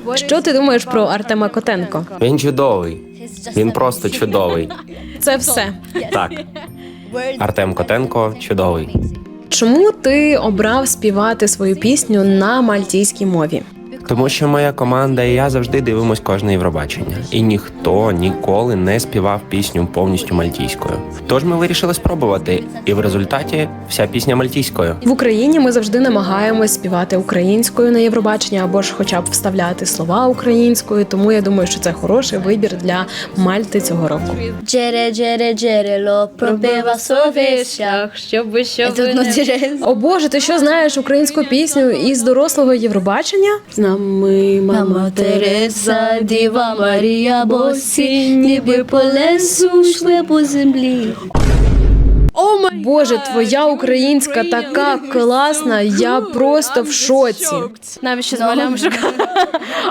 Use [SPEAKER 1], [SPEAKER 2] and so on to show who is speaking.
[SPEAKER 1] Що ти думаєш про Артема Котенко?
[SPEAKER 2] Він чудовий. Він просто чудовий.
[SPEAKER 1] Це все.
[SPEAKER 2] Так, Артем Котенко чудовий.
[SPEAKER 1] Чому ти обрав співати свою пісню на мальтійській мові?
[SPEAKER 2] Тому що моя команда і я завжди дивимось кожне Євробачення. І ніхто ніколи не співав пісню повністю мальтійською. Тож ми вирішили спробувати, і в результаті вся пісня мальтійською.
[SPEAKER 1] В Україні ми завжди намагаємось співати українською на Євробачення або ж хоча б вставляти слова українською, тому я думаю, що це хороший вибір для Мальти цього року.
[SPEAKER 3] Джере, джере, джерело, пробива совіщах, щоб не...
[SPEAKER 1] О Боже, ти що знаєш українську пісню із дорослого Євробачення? З нами
[SPEAKER 3] Мама Тереза, Діва Марія, босі, ніби по лесу йшли по землі.
[SPEAKER 1] Боже, твоя українська така класна, я просто в шоці.
[SPEAKER 3] Навіщо з малями шукати?